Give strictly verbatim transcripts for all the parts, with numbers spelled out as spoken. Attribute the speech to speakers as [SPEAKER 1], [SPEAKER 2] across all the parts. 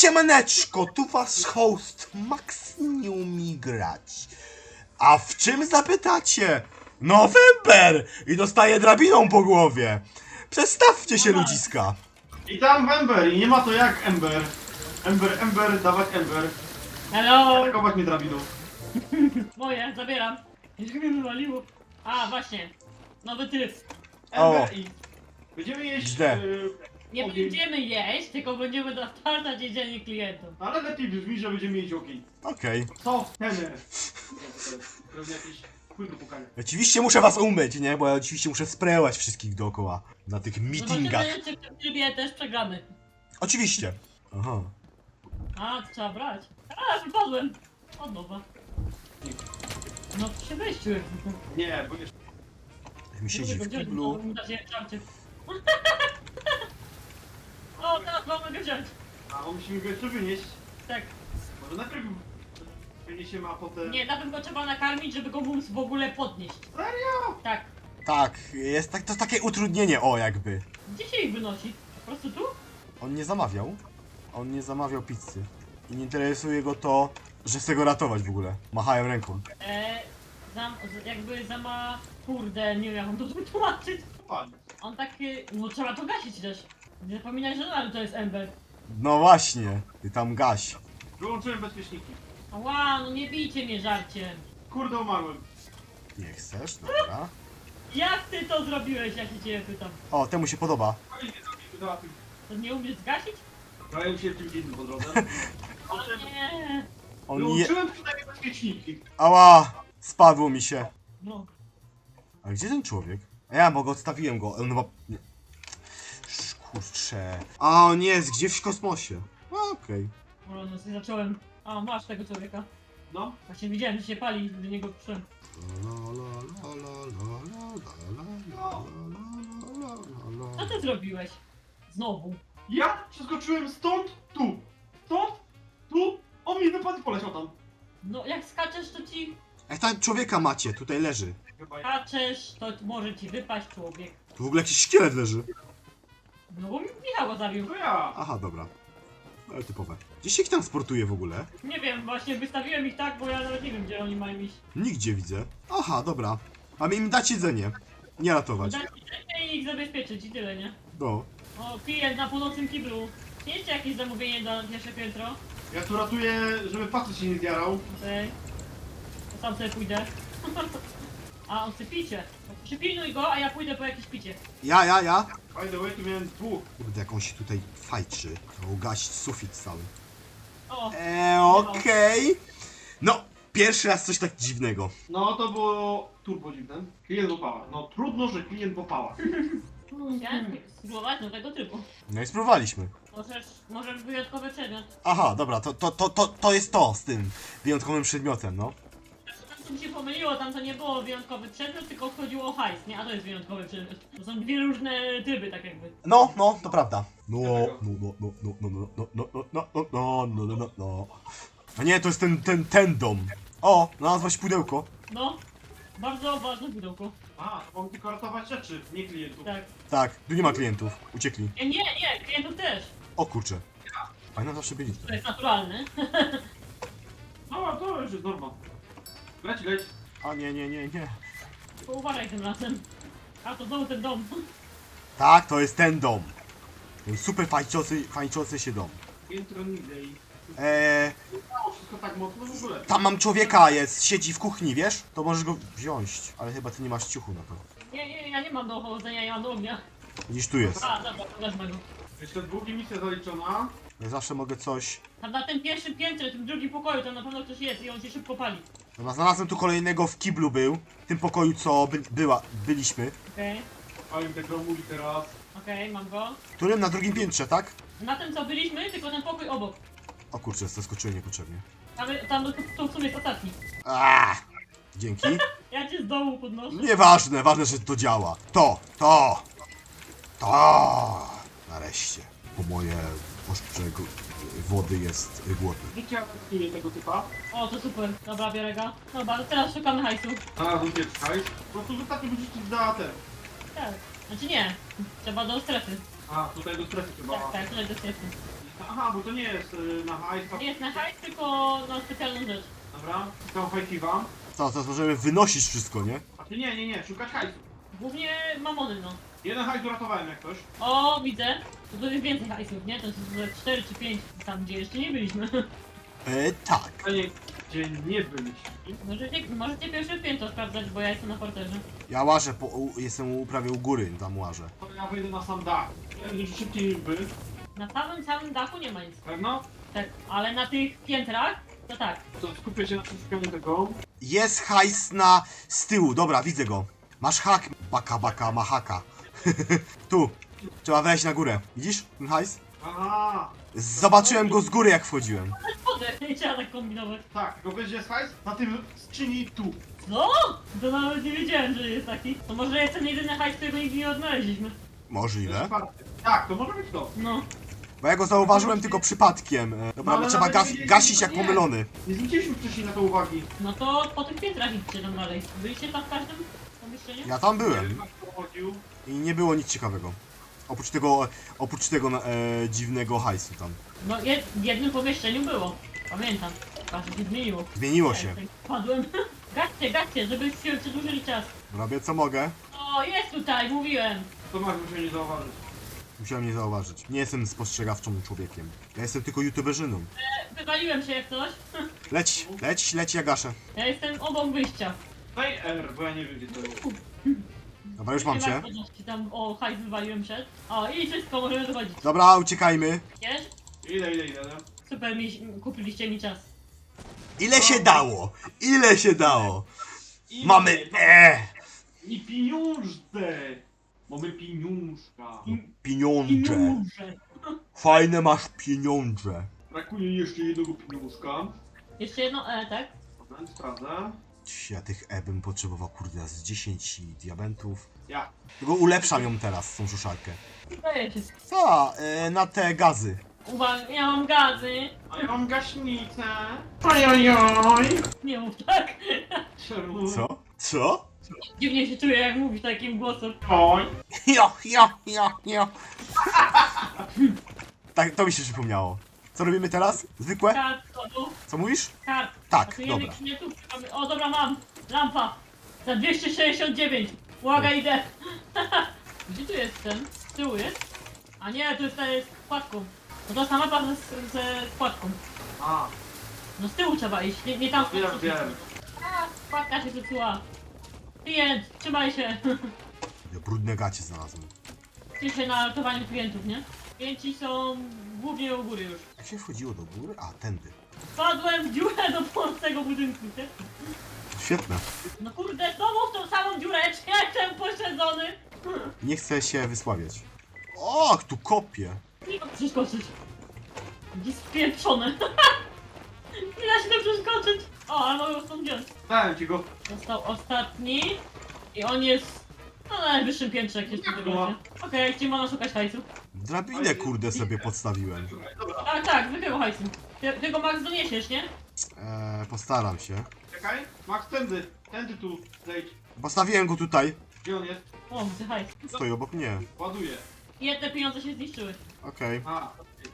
[SPEAKER 1] Siemaneczko, tu wasz host Max nie umie grać. A w czym zapytacie? No Wember! I dostaje drabiną po głowie. Przestawcie się, ludziska.
[SPEAKER 2] I tam Ember i nie ma to jak Ember. Ember, Ember, dawać Ember.
[SPEAKER 3] Hello!
[SPEAKER 2] Atakować mnie drabiną.
[SPEAKER 3] Moje, zabieram. Już mnie wywaliło. A, właśnie. Nowy tryb.
[SPEAKER 2] Ember
[SPEAKER 1] O.
[SPEAKER 2] i... Będziemy jeść...
[SPEAKER 1] Źle.
[SPEAKER 2] Yy,
[SPEAKER 3] Nie
[SPEAKER 2] ogień.
[SPEAKER 3] będziemy jeść, tylko będziemy dostarczać jedzenie klientom.
[SPEAKER 2] Ale lepiej brzmi, że będziemy mieć ogień.
[SPEAKER 1] Okej.
[SPEAKER 2] Co? Tener. Pewnie jakieś płyny pukania.
[SPEAKER 1] Oczywiście muszę was umyć, nie? Bo ja oczywiście muszę sprayować wszystkich dookoła. Na tych meetingach.
[SPEAKER 3] Zobaczymy, czy w tym trybie też przegramy.
[SPEAKER 1] Oczywiście. Aha.
[SPEAKER 3] A, to trzeba brać. A, wypadłem. Od nowa. No, przy wejściu.
[SPEAKER 2] Nie, bo jeszcze...
[SPEAKER 1] Jak mi siedzi w kiblu.
[SPEAKER 3] O, teraz mamy go wziąć.
[SPEAKER 2] A, bo musimy go jeszcze wynieść.
[SPEAKER 3] Tak.
[SPEAKER 2] Może najpierw wyniesiemy, a potem...
[SPEAKER 3] Nie, najpierw go trzeba nakarmić, żeby go móc w ogóle podnieść.
[SPEAKER 2] Serio?
[SPEAKER 3] Tak.
[SPEAKER 1] Tak, jest tak, to takie utrudnienie, o jakby.
[SPEAKER 3] Gdzie się ich wynosi? Po prostu tu?
[SPEAKER 1] On nie zamawiał. On nie zamawiał pizzy. I nie interesuje go to, że chce go ratować w ogóle. Machają ręką.
[SPEAKER 3] Eee, zam, z- jakby zama... Kurde, nie wiem jak on to wytłumaczyć.
[SPEAKER 2] Pali.
[SPEAKER 3] On taki... No trzeba to gasić też. Nie zapominaj, że nadal to jest Ember.
[SPEAKER 1] No właśnie, ty tam gaś.
[SPEAKER 2] Wyłączyłem bezpieczniki.
[SPEAKER 3] Ała, no nie bijcie mnie żarciem.
[SPEAKER 2] Kurde, umarłem.
[SPEAKER 1] Nie chcesz? Dobra.
[SPEAKER 3] Jak ty to zrobiłeś, ja się ciebie pytam?
[SPEAKER 1] O, temu się podoba.
[SPEAKER 2] Ale nie zrobiliśmy za tym.
[SPEAKER 3] To nie umiesz zgasić?
[SPEAKER 2] Zająłem się czymś innym po drodze.
[SPEAKER 3] O nie.
[SPEAKER 1] On je...
[SPEAKER 2] Wyłączyłem przynajmniej bezpieczniki.
[SPEAKER 1] Ała! Spadło mi się.
[SPEAKER 3] No.
[SPEAKER 1] A gdzie ten człowiek? A ja, bo go odstawiłem go. On chyba... nie. Sz- Kurczę. A on jest gdzieś w kosmosie. A, okej.
[SPEAKER 3] O, no sobie zacząłem... A, masz tego człowieka.
[SPEAKER 2] No.
[SPEAKER 3] Właśnie widziałem, że się pali, do niego przyszedłem. Co ty zrobiłeś? Znowu.
[SPEAKER 2] Ja przeskoczyłem stąd, tu. Stąd, tu. On mi wypadł i poleciał tam.
[SPEAKER 3] No, jak skaczesz, to ci...
[SPEAKER 1] Jak tam człowieka macie? Tutaj leży.
[SPEAKER 2] Chyba ja.
[SPEAKER 3] Skaczesz, to może ci wypaść człowiek.
[SPEAKER 1] Tu w ogóle jakiś szkielet leży.
[SPEAKER 3] No bo mi Michał go zabił.
[SPEAKER 2] To ja.
[SPEAKER 1] Aha, dobra. Ale typowe. Gdzie się ich tam sportuje w ogóle?
[SPEAKER 3] Nie wiem, właśnie wystawiłem ich tak, bo ja nawet nie wiem, gdzie oni mają iść.
[SPEAKER 1] Nigdzie widzę. Aha, dobra. Mamy im dać jedzenie. Nie ratować.
[SPEAKER 3] Dać jedzenie i ich zabezpieczyć i tyle, nie?
[SPEAKER 1] No.
[SPEAKER 3] O, klient na północnym kiblu. Jeszcze jakieś zamówienie na pierwsze piętro?
[SPEAKER 2] Ja tu ratuję, żeby facet się nie zjarał.
[SPEAKER 3] Okej. To sam sobie pójdę. A, on chce picie. Przypilnuj go, a ja pójdę po jakieś picie.
[SPEAKER 1] Ja, ja, ja.
[SPEAKER 2] By the way, tu miałem dwóch.
[SPEAKER 1] Kurde, jak on się tutaj fajczy. To ugasić sufit cały.
[SPEAKER 3] O,
[SPEAKER 1] Eee, okej. No, pierwszy raz coś tak dziwnego.
[SPEAKER 2] No to było turbo dziwne. Klient w opałach. No trudno, że klient w opałach.
[SPEAKER 3] chciałem spróbować nowego typu.
[SPEAKER 1] No i spróbowaliśmy.
[SPEAKER 3] Możesz, możesz wyjątkowy przedmiot.
[SPEAKER 1] Aha, dobra, to, to, to, to, to jest to z tym wyjątkowym przedmiotem, no.
[SPEAKER 3] Tam co mi się pomyliło, tam to nie było wyjątkowy przedmiot, tylko chodziło o hajs, nie? A to jest wyjątkowy przedmiot. To są dwie różne tryby, tak jakby.
[SPEAKER 1] No, no, to prawda. No, no, no, no, no, no, no, no, no, no, no, no, no, no, no, no. A nie, to jest ten, ten, ten dom. O, znalazłaś pudełko.
[SPEAKER 3] No, bardzo ważne pudełko.
[SPEAKER 2] A, mam tylko ratować rzeczy, nie klientów.
[SPEAKER 3] Tak.
[SPEAKER 1] Tak, tu nie ma klientów. Uciekli.
[SPEAKER 3] Nie, nie, nie, klientów też.
[SPEAKER 1] O kurczę. A nam zawsze byli.
[SPEAKER 3] To jest naturalne.
[SPEAKER 2] No, to już jest norma. Leć, leć.
[SPEAKER 1] A nie, nie, nie, nie.
[SPEAKER 3] Tylko uważaj tym razem. A to znowu ten dom.
[SPEAKER 1] Tak, to jest ten dom. Ten super fajczący, fajczący się dom.
[SPEAKER 2] Intro niżej.
[SPEAKER 1] Eee,
[SPEAKER 2] Mało wszystko tak mocno w ogóle.
[SPEAKER 1] tam mam człowieka, jest, siedzi w kuchni, wiesz? To możesz go wziąć, ale chyba ty nie masz ciuchu na to.
[SPEAKER 3] Nie, nie, ja nie mam do chodzenia, ja mam do ognia.
[SPEAKER 1] Widzisz, tu jest.
[SPEAKER 3] A, dobra, to wezmę go.
[SPEAKER 2] Jeszcze drugi misja zaliczona.
[SPEAKER 1] Ja zawsze mogę coś...
[SPEAKER 3] Tam na tym pierwszym piętrze, tym drugim pokoju, tam na pewno ktoś jest i on się szybko pali.
[SPEAKER 1] Dobra, znalazłem tu kolejnego w kiblu był. W tym pokoju, co by, była, byliśmy.
[SPEAKER 3] Okej,
[SPEAKER 2] Palim tego mówi teraz.
[SPEAKER 3] okej, mam go.
[SPEAKER 1] W którym? Na drugim piętrze, tak?
[SPEAKER 3] Na tym co byliśmy, tylko ten pokój obok.
[SPEAKER 1] O kurczę, zaskoczyłem niepotrzebnie.
[SPEAKER 3] Tam, tam to w sumie jest ostatni.
[SPEAKER 1] Aaaa! Dzięki.
[SPEAKER 3] Ja cię z dołu podnoszę.
[SPEAKER 1] Nieważne, ważne, że to działa. To, to, to. Nareszcie. Po moje oszcze wody jest głodny.
[SPEAKER 2] Widziałem kliент tego typa.
[SPEAKER 3] O, to super. Dobra, biorę go. Dobra, to teraz szukamy hajsu.
[SPEAKER 2] Znalazłem pierwszy hajs. Po prostu wystarczy wyrzucić za te.
[SPEAKER 3] Tak. Znaczy nie. Trzeba do strefy.
[SPEAKER 2] A, tutaj do strefy chyba.
[SPEAKER 3] Tak, tak, tutaj do strefy.
[SPEAKER 2] Aha, bo to nie jest y, na hajs. to-
[SPEAKER 3] Nie jest na hajs, tylko na specjalną rzecz.
[SPEAKER 2] Dobra, szukam hajsiwa.
[SPEAKER 1] Co, teraz możemy wynosić wszystko, nie?
[SPEAKER 2] A ty nie, nie, nie, szukać hajsu.
[SPEAKER 3] Głównie mamony, no.
[SPEAKER 2] Jeden hajs uratowałem jak ktoś.
[SPEAKER 3] O, widzę. To tu jest więcej hajsów, nie? To jest cztery czy pięć tam, gdzie jeszcze nie byliśmy.
[SPEAKER 1] E, tak.
[SPEAKER 2] A nie, gdzie nie byliśmy.
[SPEAKER 3] Możecie, możecie pierwsze piętro sprawdzać, bo ja jestem na parterze.
[SPEAKER 1] Ja łażę, po, u, jestem u, prawie u góry, tam łażę.
[SPEAKER 2] To ja wejdę na sam dach. Będzie szybciej niż by.
[SPEAKER 3] Na samym, samym dachu nie ma nic.
[SPEAKER 2] Pewno?
[SPEAKER 3] Tak, ale na tych piętrach, to tak.
[SPEAKER 2] To skupię się na szukaniu tego.
[SPEAKER 1] Jest hajs na... z tyłu, dobra, widzę go. Masz hak, baka, baka, ma haka. Tu. Trzeba wejść na górę. Widzisz ten hajs?
[SPEAKER 2] Aha!
[SPEAKER 1] Zobaczyłem go z góry, jak wchodziłem.
[SPEAKER 3] Chodzę, nie trzeba tak kombinować.
[SPEAKER 2] Tak, tylko wiesz gdzie jest hajs? Na tym skrzyni tu.
[SPEAKER 3] Co? To nawet nie wiedziałem, że jest taki. To może jest ten jedyny hajs, którego nigdy nie odnaleźliśmy.
[SPEAKER 1] Możliwe.
[SPEAKER 2] Tak, to może być to.
[SPEAKER 3] No.
[SPEAKER 1] Bo ja go zauważyłem tylko przypadkiem. E, Dobra,
[SPEAKER 2] No, ale
[SPEAKER 1] trzeba
[SPEAKER 2] nawet
[SPEAKER 1] gas,
[SPEAKER 2] nie wiedzieli,
[SPEAKER 1] gasić
[SPEAKER 2] że
[SPEAKER 1] jak
[SPEAKER 2] nie.
[SPEAKER 1] pomylony.
[SPEAKER 2] Nie zwróciliśmy wcześniej na to uwagi.
[SPEAKER 3] No to po tych piętrach idźcie tam dalej. Byliście tam w każdym pomieszczeniu?
[SPEAKER 1] Ja tam
[SPEAKER 2] Nie
[SPEAKER 1] byłem.
[SPEAKER 2] wiem, kto chodził.
[SPEAKER 1] I nie było nic ciekawego. Oprócz tego, oprócz tego e, dziwnego hajsu tam.
[SPEAKER 3] No jed, w jednym pomieszczeniu było. Pamiętam. Patrz, się zmieniło.
[SPEAKER 1] Zmieniło
[SPEAKER 3] Ja
[SPEAKER 1] się.
[SPEAKER 3] tutaj Padłem. Gaście, gaście, żebyście przedłużyli czas.
[SPEAKER 1] Robię co mogę.
[SPEAKER 3] O, jest tutaj, mówiłem.
[SPEAKER 2] To masz musiał nie zauważyć.
[SPEAKER 1] Musiałem nie zauważyć. Nie jestem spostrzegawczym człowiekiem. Ja jestem tylko youtuberzyną.
[SPEAKER 3] E, Wywaliłem się jak coś.
[SPEAKER 1] Leć, leć, leć, ja gaszę.
[SPEAKER 3] Ja jestem obok wyjścia.
[SPEAKER 2] Daj R, bo ja nie wiem gdzie to jest.
[SPEAKER 1] Dobra, już mam
[SPEAKER 3] Nie
[SPEAKER 1] cię.
[SPEAKER 3] ma co, tam o hajs wywaliłem przed. O, i wszystko, możemy dochodzić.
[SPEAKER 1] Dobra, uciekajmy.
[SPEAKER 3] Wiesz?
[SPEAKER 2] Ile, ile, ile?
[SPEAKER 3] Super, mi, kupiliście mi czas.
[SPEAKER 1] Ile się dało? Ile się dało?
[SPEAKER 2] Ile?
[SPEAKER 1] Mamy E!
[SPEAKER 2] I pieniądze! Mamy pieniążka.
[SPEAKER 3] I
[SPEAKER 1] Pieniądze.
[SPEAKER 3] nóże.
[SPEAKER 1] Fajne masz pieniądze.
[SPEAKER 2] Brakuje jeszcze jednego pieniążka.
[SPEAKER 3] Jeszcze jedno E, tak?
[SPEAKER 2] Moment, sprawdzę.
[SPEAKER 1] Ja tych E bym potrzebował, kurde, z dziesięć diamentów.
[SPEAKER 2] Ja.
[SPEAKER 1] Tylko ulepszam ją teraz, tą szuszarkę.
[SPEAKER 3] Daję się.
[SPEAKER 1] Co? E, na te gazy.
[SPEAKER 3] Uwaga, ja mam gazy.
[SPEAKER 2] A ja mam gaśnicę. Ojojoj.
[SPEAKER 3] Nie mów tak.
[SPEAKER 2] Czemu?
[SPEAKER 1] Co? Co?
[SPEAKER 3] Dziwnie się czuję, jak mówisz takim głosem.
[SPEAKER 2] Oj.
[SPEAKER 1] Jo, jo, jo, jo. Tak, to mi się przypomniało. Co robimy teraz? Zwykłe?
[SPEAKER 3] Kart, kodu,
[SPEAKER 1] Co mówisz?
[SPEAKER 3] kart.
[SPEAKER 1] Tak,
[SPEAKER 3] Pasujemy
[SPEAKER 1] dobra.
[SPEAKER 3] klientów. O, dobra, mam. Lampa. Za dwieście sześćdziesiąt dziewięć. Uwaga, idę. Gdzie tu jest ten? Z tyłu jest? A nie, tu jest ta z wkładką. No to sama mapa ze, ze wkładką.
[SPEAKER 2] A,
[SPEAKER 3] No z tyłu trzeba iść, nie, nie tam.
[SPEAKER 2] wiem, wiem.
[SPEAKER 3] A, wkładka się zepsuła. Klient, trzymaj się.
[SPEAKER 1] Ja brudne gacie znalazłem.
[SPEAKER 3] Cieszę się na ratowaniu klientów, nie? Klienci są głównie u góry już.
[SPEAKER 1] Jak się wchodziło do góry? A, tędy.
[SPEAKER 3] Wpadłem w dziurę do płonącego budynku, nie?
[SPEAKER 1] Świetne.
[SPEAKER 3] No kurde, znowu w tą samą dziureczkę, jestem pośledzony.
[SPEAKER 1] Nie chcę się wysławiać. O, tu kopię.
[SPEAKER 3] Nie da przeskoczyć. Gdzie spieprzone. Nie da się to przeskoczyć. O, ale mogę go stąd wziąć.
[SPEAKER 2] Dałem ci go.
[SPEAKER 3] Został ostatni. I on jest no, na najwyższym piętrze, jak jest w tym razie. Okej, gdzie można szukać hajsu?
[SPEAKER 1] Drabinę, kurde, sobie podstawiłem.
[SPEAKER 2] Dobra,
[SPEAKER 3] Tak, tak, zwykłego hajsu. Ty, ty go Max doniesiesz, nie?
[SPEAKER 1] Eee, postaram się.
[SPEAKER 2] czekaj. Max, tędy. Tędy tu. Zejdź.
[SPEAKER 1] Postawiłem go tutaj.
[SPEAKER 2] Gdzie on jest?
[SPEAKER 3] O, widzę hajs.
[SPEAKER 1] Stoi obok mnie.
[SPEAKER 2] Ładuję.
[SPEAKER 3] Jedne pieniądze się zniszczyły.
[SPEAKER 1] Okej.
[SPEAKER 2] A,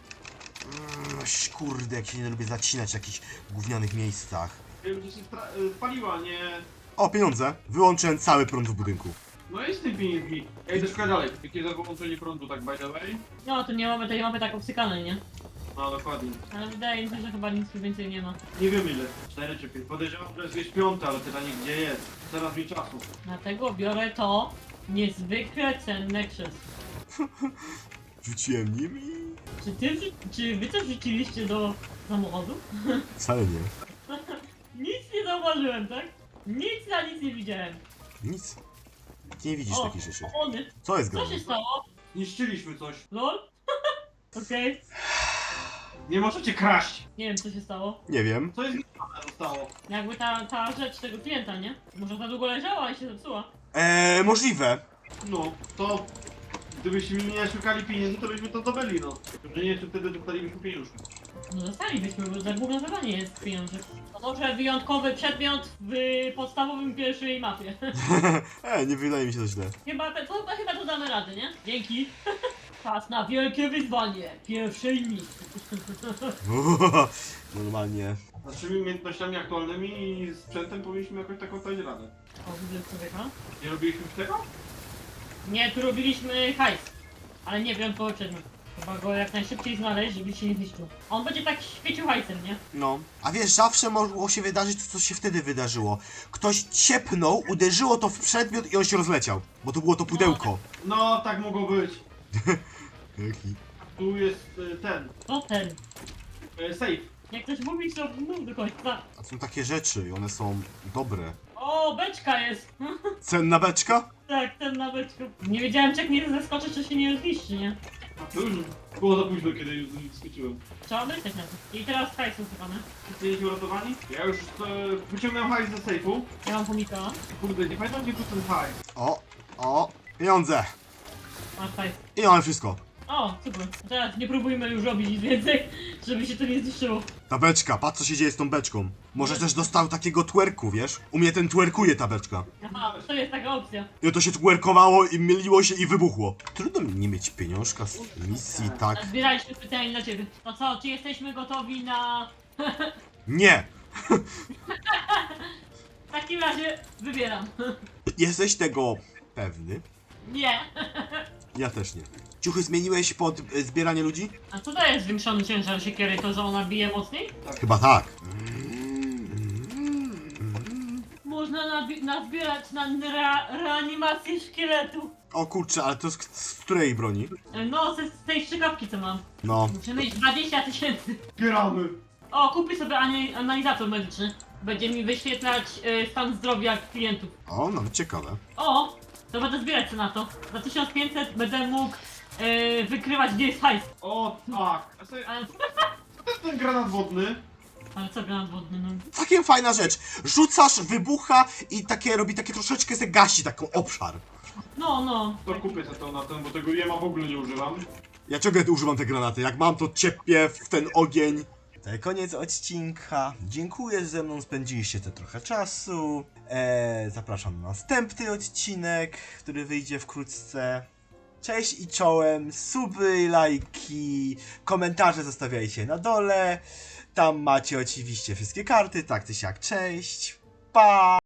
[SPEAKER 1] Mm, ś- kurde, jak się nie lubię zacinać w jakichś gównianych miejscach.
[SPEAKER 2] wiem, gdzie się stra- y, spaliła, nie...
[SPEAKER 1] O, pieniądze. Wyłączyłem cały prąd w budynku.
[SPEAKER 2] No i z tym pieniędzmi. Ja idę szukać dalej. Jakie za wyłączenie prądu, tak by the way?
[SPEAKER 3] No, tu nie mamy tej mapy tak obsykanej, nie?
[SPEAKER 2] No, dokładnie.
[SPEAKER 3] Ale wydaje mi się, że chyba nic tu więcej nie ma.
[SPEAKER 2] Nie wiem ile. Cztery czy pięć. Podejrzewam, że jest gdzieś piąte, ale pytanie gdzie jest. Teraz mi czasu.
[SPEAKER 3] Dlatego biorę to niezwykle cenne krzesło.
[SPEAKER 1] Rzuciłem nim i...
[SPEAKER 3] Czy ty, wrzu- czy wy coś rzuciliście do samochodu?
[SPEAKER 1] Wcale nie.
[SPEAKER 3] Nic nie zauważyłem, tak? Nic na nic nie widziałem.
[SPEAKER 1] Nic. Ty nie widzisz
[SPEAKER 3] O,
[SPEAKER 1] takich rzeczy.
[SPEAKER 3] Ony.
[SPEAKER 1] Co jest
[SPEAKER 3] Co
[SPEAKER 1] grane?
[SPEAKER 3] się stało?
[SPEAKER 2] Niszczyliśmy coś.
[SPEAKER 3] Lol? Okej.
[SPEAKER 2] Nie możecie kraść.
[SPEAKER 3] Nie wiem, co się stało.
[SPEAKER 1] Nie wiem.
[SPEAKER 2] Co jest niszczone zostało?
[SPEAKER 3] Jakby ta, ta rzecz tego klienta, nie? Może za długo leżała i się zepsuła.
[SPEAKER 1] Eee, możliwe.
[SPEAKER 2] No, to... Gdybyśmy nie szukali pieniędzy, to byśmy to zdobyli, no. Że nie, to wtedy dostalibyśmy pieniążki.
[SPEAKER 3] No zostalibyśmy, bo za główne zadanie jest pieniądze. To może wyjątkowy przedmiot w podstawowym pierwszej mapie.
[SPEAKER 1] e, nie wydaje mi się to źle.
[SPEAKER 3] Chyba, te, to, chyba to damy radę, nie? Dzięki. Czas na wielkie wyzwanie. Pierwszej misji.
[SPEAKER 1] Normalnie.
[SPEAKER 2] Z naszymi umiejętnościami aktualnymi i sprzętem powinniśmy jakoś taką dać radę.
[SPEAKER 3] O, widzę człowieka.
[SPEAKER 2] Nie robiliśmy już tego?
[SPEAKER 3] Nie, tu robiliśmy hajs. Ale nie wiem po czym. Trzeba go jak najszybciej znaleźć, żeby się nie zniszczył. On będzie tak świecił hajsem, nie?
[SPEAKER 1] No. A wiesz, zawsze mogło się wydarzyć to, co się wtedy wydarzyło. Ktoś ciepnął, uderzyło to w przedmiot i on się rozleciał. Bo to było to pudełko.
[SPEAKER 2] No, tak mogło być.
[SPEAKER 1] Jaki?
[SPEAKER 2] Tu jest y, ten,
[SPEAKER 3] To ten.
[SPEAKER 2] y, safe.
[SPEAKER 3] Jak ktoś mówi, to mów do końca.
[SPEAKER 1] A są takie rzeczy i one są dobre.
[SPEAKER 3] O, beczka jest.
[SPEAKER 1] Cenna beczka?
[SPEAKER 3] Tak, ten na beczku. Nie wiedziałem, czy jak nie zeskoczy, czy się nie zniszczy, nie?
[SPEAKER 2] A to już było za późno, kiedy już skoczyłem.
[SPEAKER 3] Trzeba myśleć na to. I teraz hajs usuwamy.
[SPEAKER 2] Wszyscy jesteście uratowani? Ja już e, wyciągnąłem hajs ze sejfu.
[SPEAKER 3] Ja mam chomika.
[SPEAKER 2] Kurde, nie pamiętam gdzie był ten hajs.
[SPEAKER 1] O, o, pieniądze.
[SPEAKER 3] Masz hajs.
[SPEAKER 1] I mamy wszystko.
[SPEAKER 3] O, super. Teraz nie próbujmy już robić nic więcej, żeby się to nie zniszczyło.
[SPEAKER 1] Ta beczka, patrz co się dzieje z tą beczką. Może też dostał takiego twerku, wiesz? U mnie ten twerkuje ta beczka.
[SPEAKER 3] Aha, to jest taka opcja.
[SPEAKER 1] I to się twerkowało i myliło się i wybuchło. Trudno mi nie mieć pieniążka z misji, tak?
[SPEAKER 3] Zbieraliśmy pytanie dla ciebie. To co, czy jesteśmy gotowi na...
[SPEAKER 1] Nie!
[SPEAKER 3] W takim razie wybieram.
[SPEAKER 1] Jesteś tego pewny?
[SPEAKER 3] Nie.
[SPEAKER 1] Ja też nie. Ciuchy zmieniłeś pod y, zbieranie ludzi?
[SPEAKER 3] A co daje zwiększony ciężar siekiery? To, że ona bije mocniej?
[SPEAKER 1] Chyba tak.
[SPEAKER 3] Można nabi- nazbierać na rea- reanimację szkieletu.
[SPEAKER 1] O kurczę, ale to z, z której broni?
[SPEAKER 3] E, No, z, z tej strzykawki co mam.
[SPEAKER 1] No.
[SPEAKER 3] Muszę mieć dwadzieścia tysięcy.
[SPEAKER 2] Zbieramy.
[SPEAKER 3] O, kupię sobie ani- analizator medyczny. Będzie mi wyświetlać e, stan zdrowia klientów.
[SPEAKER 1] O, nawet ciekawe.
[SPEAKER 3] O, to będę zbierać co na to. Za tysiąc pięćset będę mógł e, wykrywać, gdzie jest hajs.
[SPEAKER 2] O tak. A sobie,
[SPEAKER 3] Ale,
[SPEAKER 2] co to jest ten granat wodny?
[SPEAKER 3] ale co granat wodny, no.
[SPEAKER 1] Całkiem fajna rzecz. Rzucasz, wybucha i takie robi takie troszeczkę se gasi taką obszar.
[SPEAKER 3] No, no.
[SPEAKER 2] To kupię sobie to na ten, bo tego jema w ogóle nie używam.
[SPEAKER 1] Ja ciągle używam te granaty. Jak mam, to ciepię w ten ogień. To koniec odcinka. Dziękuję, że ze mną spędziliście te trochę czasu. Eee, zapraszam na następny odcinek, który wyjdzie wkrótce. Cześć i czołem, suby, lajki, komentarze zostawiajcie na dole. Tam macie oczywiście wszystkie karty, tak czy siak, cześć, pa!